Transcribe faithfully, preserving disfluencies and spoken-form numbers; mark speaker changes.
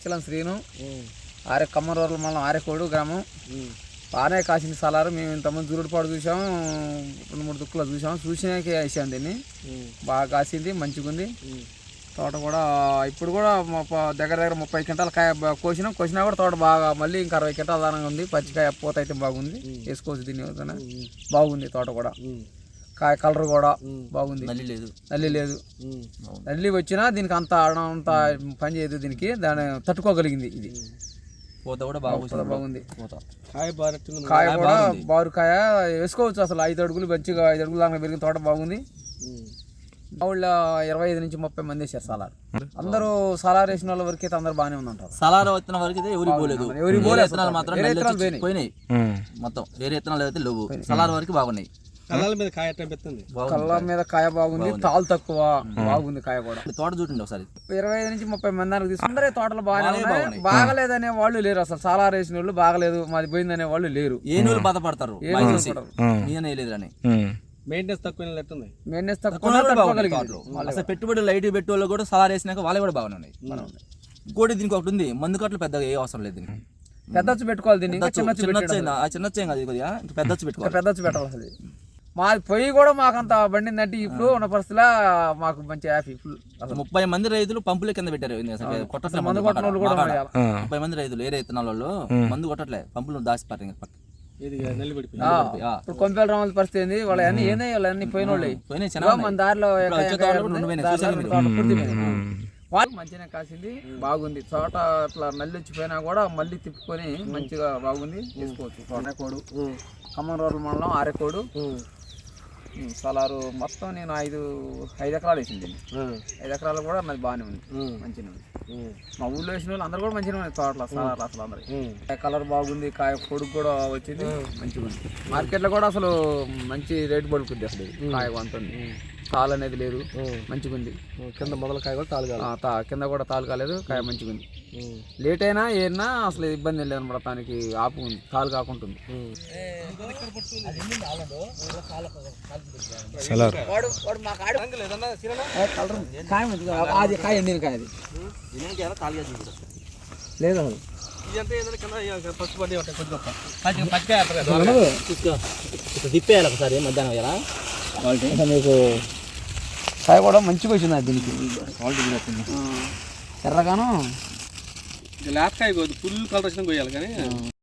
Speaker 1: పచ్చిలం శ్రీను ఆరే కమ్మరోర్ల మండలం ఆరేకోడు గ్రామం. బాగానే కాసింది సలారు. మేము ఇంతమంది జూరుడుపాడు చూసాము, రెండు మూడు దుక్కులు చూసాము. చూసినాకే వేసాము దీన్ని. బాగా కాసింది, మంచిగా ఉంది తోట కూడా. ఇప్పుడు కూడా దగ్గర దగ్గర ముప్పై క్వింటాల కాయ కోసినాం. కోసినా కూడా తోట బాగా మళ్ళీ ఇంకా అరవై క్వింటాల దానంగా ఉంది. పచ్చికాయ పూత అయితే బాగుంది, వేసుకోవచ్చు దీన్ని. బాగుంది తోట కూడా. కాయ కలర్ కూడా బాగుంది, నల్లి లేదు నల్లి లేదు నల్లి వచ్చినా దీనికి అంత అంత పని చేయదు. దీనికి దాన్ని తట్టుకోగలిగింది. ఇది పూత కూడా బాగా బాగుంది. కాయ కూడా బారు కాయ వేసుకోవచ్చు. అసలు ఐదు అడుగులు మంచిగా ఐదు అడుగులు దాకా పెరిగిన తోట బాగుంది. మా ఊళ్ళో ఇరవై ఐదు నుంచి ముప్పై మంది వేసారు సలార్. అందరూ సలార్ వేసిన వాళ్ళ వరకు అయితే అందరు బాగానే ఉందంటారు.
Speaker 2: సలార్ వచ్చిన వరకు అయితే ఎవరికి పోలేదు.
Speaker 1: ఎవరికి పోలేదు
Speaker 2: మాత్రం పోయినాయి మొత్తం. వేరే విత్తనాలు అయితే లేవు. సలార్ వరకు బాగున్నాయి.
Speaker 3: కళ్ళ మీద కాయ పెడుతుంది.
Speaker 1: కళ్ళ మీద కాయ బాగుంది, తాలు తక్కువ బాగుంది కాయ కూడా.
Speaker 2: తోట చూడండి ఒకసారి.
Speaker 1: ఇరవై ఐదు నుంచి ముప్పై మంది దానికి తీసుకుంటారే. తోటలు బాగానే ఉన్నాయి. బాగలేదనే వాళ్ళు లేరు అసలు. సలార్ వేసిన వాళ్ళు బాగలేదు మాది పోయిందనే వాళ్ళు లేరు.
Speaker 2: ఏ నూలు బాధపడతారు అని.
Speaker 3: మెయింటెనెన్స్ తక్కువ
Speaker 1: మెయింటెనెన్స్ తక్కువ.
Speaker 2: అసలు పెట్టుబడి లైట్ పెట్టి వాళ్ళు కూడా సలార్ వేసినాక వాళ్ళు కూడా బాగానే ఉన్నాయి. ఇంకోటి దీనికి ఒకటి ఉంది, మందు కట్టలు పెద్దగా ఏ అవసరం లేదు. దీనికి
Speaker 1: పెద్దచ్చు పెట్టుకోవాలి. దీన్ని చిన్న
Speaker 2: చిన్న పెద్దచ్చు పెట్టుకోవాలి.
Speaker 1: పెద్దచ్చు పెట్టాలి. అసలు మాది పొయ్యి కూడా మాకంత బండిందంటే ఇప్పుడు ఉన్న పరిస్థితిలో మాకు మంచి హ్యాపీ ఫుల్.
Speaker 2: అసలు ముప్పై మంది రైతులు పంపుల కింద పెట్టారు.
Speaker 1: మందు కొట్టిన వాళ్ళు కూడా
Speaker 2: ముప్పై మంది రైతులు ఏరే విత్తనాల వాళ్ళు మందు కొట్టట్లే, పంపులు దాచిపారు.
Speaker 1: ఇప్పుడు కొంపెల రామాల పరిస్థితి ఏంది? వాళ్ళ అన్ని ఏంది వాళ్ళు అన్ని పోయిన వాళ్ళు మన దారిలో వాళ్ళు మంచిగా కాసింది, బాగుంది తోట. అట్లా నల్లి వచ్చిపోయినా కూడా మళ్ళీ తిప్పుకొని మంచిగా బాగుంది, తీసుకోవచ్చు. తోటకోడు ఖమ్మం రోడ్ల మండలం ఆరేకోడు సలారు మొత్తం నేను ఐదు ఐదు ఎకరాలు వేసింది. ఐదు ఎకరాలు కూడా నాది బాగానే ఉంది, మంచిగా ఉంది. మా ఊళ్ళో వేసిన వాళ్ళు అందరు కూడా మంచిగా ఉంది తోటలో సలారు. అసలు అందరు కలర్ బాగుంది, కాయ పొడుగు కూడా వచ్చింది, మంచిగా ఉంది. మార్కెట్లో కూడా అసలు మంచి రేటు పడుకుంది. అసలు కాయ కొంటుంది, తాలు అనేది లేదు, మంచిగా ఉంది.
Speaker 3: కింద మొదల కాయ కూడా తాలు కాలేదు,
Speaker 1: కింద కూడా తాలు కాలేదు, కాయ మంచిగా ఉంది. లేట్ అయినా ఏరినా అసలు ఇబ్బంది లేదు అనమాట. దానికి ఆపు ఉంది, తాలు కాకుంటుంది. అది కాయ ఎండిన కాయ, అది లేదు
Speaker 2: తిప్పేయాలి ఒకసారి మధ్యాహ్నం ఎలా
Speaker 1: మీకు కాయ కూడా మంచిగా వచ్చింది. అది దీనికి ఎర్రగాను
Speaker 3: లేతకాయ ఫుల్ కలర్ వచ్చినా కొయ్యాలి కానీ